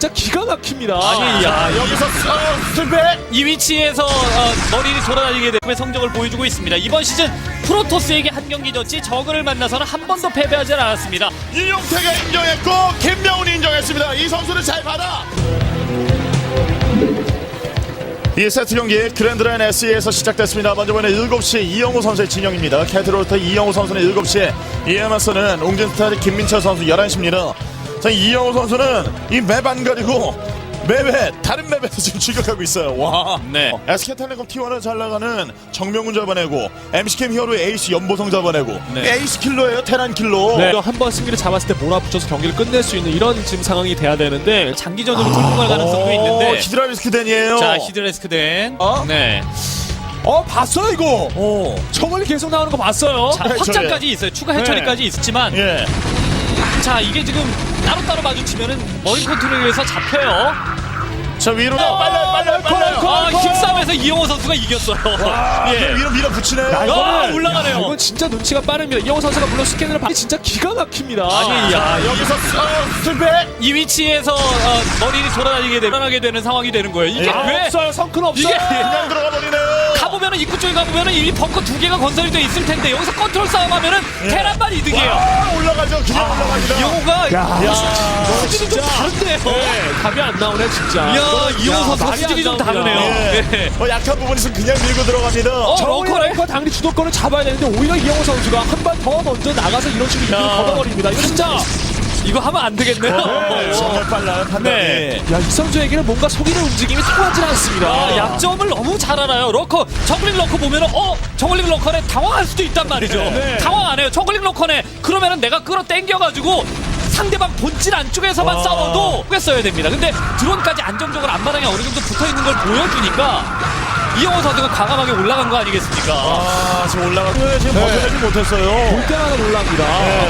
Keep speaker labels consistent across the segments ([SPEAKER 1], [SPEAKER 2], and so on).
[SPEAKER 1] 진짜 기가 막힙니다.
[SPEAKER 2] 아니, 야,
[SPEAKER 3] 여기서 스톱백.
[SPEAKER 2] 이 위치에서 머리를 돌아다니게 되면 성적을 보여주고 있습니다. 이번 시즌 프로토스에게 한 경기 졌지 저그를 만나서는 한 번도 패배하지 않았습니다.
[SPEAKER 3] 이용태가 인정했고 김명훈이 인정했습니다. 이 선수를 잘 받아. 이 세트 경기 그랜드라인 SE에서 시작됐습니다. 먼저 보는 7시 이영호 선수의 진영입니다. 캐트로터 이영호 선수는 7시에 이에 맞서는 옹진스타의 김민철 선수 11시입니다. 자, 이영호 선수는 이 맵 안 가리고 맵에 다른 맵에서 지금 출격하고 있어요. 와.
[SPEAKER 2] 네.
[SPEAKER 3] SK텔레콤 T1을 잘 나가는 정명훈 잡아내고 MC캠 히어로의 에이스 연보성 잡아내고
[SPEAKER 2] 네.
[SPEAKER 3] 에이스 킬러예요. 테란 킬러.
[SPEAKER 1] 네. 한번 승리를 잡았을 때 몰아붙여서 경기를 끝낼 수 있는 이런 지금 상황이 돼야 되는데
[SPEAKER 2] 장기전으로 돌고 갈 가능성도 있는데.
[SPEAKER 3] 히드라리스크 덴이에요.
[SPEAKER 2] 자, 히드레스크 된. 네.
[SPEAKER 1] 봤어요 이거. 저걸리 계속 나오는 거 봤어요.
[SPEAKER 2] 자, 확장까지 있어요. 추가 해처리까지 있었지만.
[SPEAKER 3] 예.
[SPEAKER 2] 자, 이게 지금 따로따로 마주치면은 머리 컨트롤에서 잡혀요.
[SPEAKER 3] 자, 위로 빨라요.
[SPEAKER 2] 힘싸움에서 이영호 선수가 이겼어요. 예.
[SPEAKER 3] 위로 밀어붙이네요.
[SPEAKER 2] 올라가네요.
[SPEAKER 1] 이건 진짜 눈치가 빠릅니다. 이영호 선수가 물론 스캔을 받기 진짜 기가 막힙니다.
[SPEAKER 2] 아니, 야,
[SPEAKER 3] 여기서 스톱백.
[SPEAKER 2] 이 위치에서 머리를 돌아다니게 불안하게 되는 상황이 되는 거예요. 이게 왜?
[SPEAKER 1] 없어요. 성큰 없어요.
[SPEAKER 2] 이게
[SPEAKER 3] 그냥 들어가 버리네요.
[SPEAKER 2] 가보면은 입구 쪽에 가보면은 이미 벙커 2개가 건설이 돼 있을 텐데 여기서 컨트롤 싸움하면은 테란만 이득이에요.
[SPEAKER 3] 올라가죠. 그냥 올라가죠.
[SPEAKER 2] 이영호가 수준이 좀
[SPEAKER 1] 진짜.
[SPEAKER 2] 다른데요.
[SPEAKER 1] 답이 안 나오네 진짜.
[SPEAKER 2] 이야, 이영호 선수
[SPEAKER 1] 말이
[SPEAKER 2] 수준이
[SPEAKER 1] 안
[SPEAKER 2] 좀
[SPEAKER 1] 나옵니다.
[SPEAKER 2] 다르네요.
[SPEAKER 3] 예. 약한 부분이 있으면 그냥 밀고 들어갑니다.
[SPEAKER 1] 런커 당연히 주도권을 잡아야 되는데 오히려 이영호 선수가 한 번 더 먼저 나가서 이런 식으로 이득을 걷어버립니다. 이거 진짜.
[SPEAKER 2] 이거 하면 안 되겠네요.
[SPEAKER 3] 정말 빨라요. 판단이.
[SPEAKER 2] 네.
[SPEAKER 1] 야, 이 선수에게는 뭔가 속이는 움직임이 통하지 않습니다.
[SPEAKER 2] 약점을 너무 잘 알아요. 러커, 저글링 러커 보면은 저글링 러커네 당황할 수도 있단 말이죠.
[SPEAKER 1] 네.
[SPEAKER 2] 당황 안 해요. 저글링 러커네 그러면은 내가 끌어당겨가지고 상대방 본질 안쪽에서만 싸워도 꿰써야 됩니다. 근데 드론까지 안정적으로 앞마당에 어느 정도 붙어있는 걸 보여주니까 이영호 선수가 과감하게 올라간 거 아니겠습니까?
[SPEAKER 3] 지금 올라가고 지금 벗어나지 못했어요.
[SPEAKER 1] 볼 때마다 놀랍니다.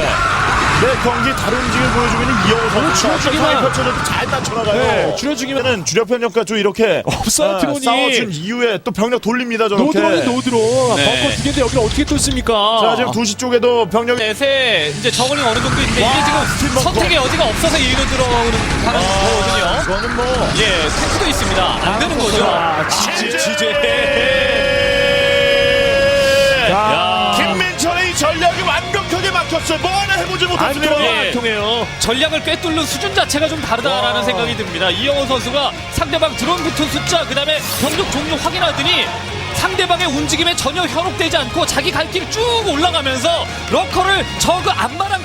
[SPEAKER 3] 네, 경기 다른 움직임을 보여주고 있는 이영호 선수.
[SPEAKER 1] 줄여주기만.
[SPEAKER 3] 펼쳐져도 잘 빠져나가요.
[SPEAKER 1] 네, 줄여주기만.
[SPEAKER 3] 주력 편력과 좀 이렇게
[SPEAKER 1] 없어요, 드론이.
[SPEAKER 3] 싸워준 이후에 또 병력 돌립니다. 저렇게.
[SPEAKER 1] 노드론.
[SPEAKER 2] 네.
[SPEAKER 1] 벙커 두 개인데 여기를 어떻게 뚫습니까?
[SPEAKER 3] 자, 지금 2시 쪽에도 병력이
[SPEAKER 2] 넷에 이제 저글링 어느 정도 있는데
[SPEAKER 3] 와,
[SPEAKER 2] 이게
[SPEAKER 3] 스팀
[SPEAKER 2] 지금
[SPEAKER 3] 먹고.
[SPEAKER 2] 선택의 여지가 없어서 이리로 들어오는 가능성이거든요.
[SPEAKER 3] 이거는 뭐
[SPEAKER 2] 예, 탱크도 있습니다. 안 되는 거죠.
[SPEAKER 3] 김민철의 이 전략이 완벽하게 막혔어요. 뭐 하나 해보지 못했습니다.
[SPEAKER 2] 예.
[SPEAKER 1] 통해요.
[SPEAKER 2] 전략을 꿰뚫는 수준 자체가 좀 다르다라는 생각이 듭니다. 이영호 선수가 상대방 드론 붙은 숫자 그다음에 병력 종류 확인하더니 상대방의 움직임에 전혀 현혹되지 않고 자기 갈 길 쭉 올라가면서 러커를 저그 앞마당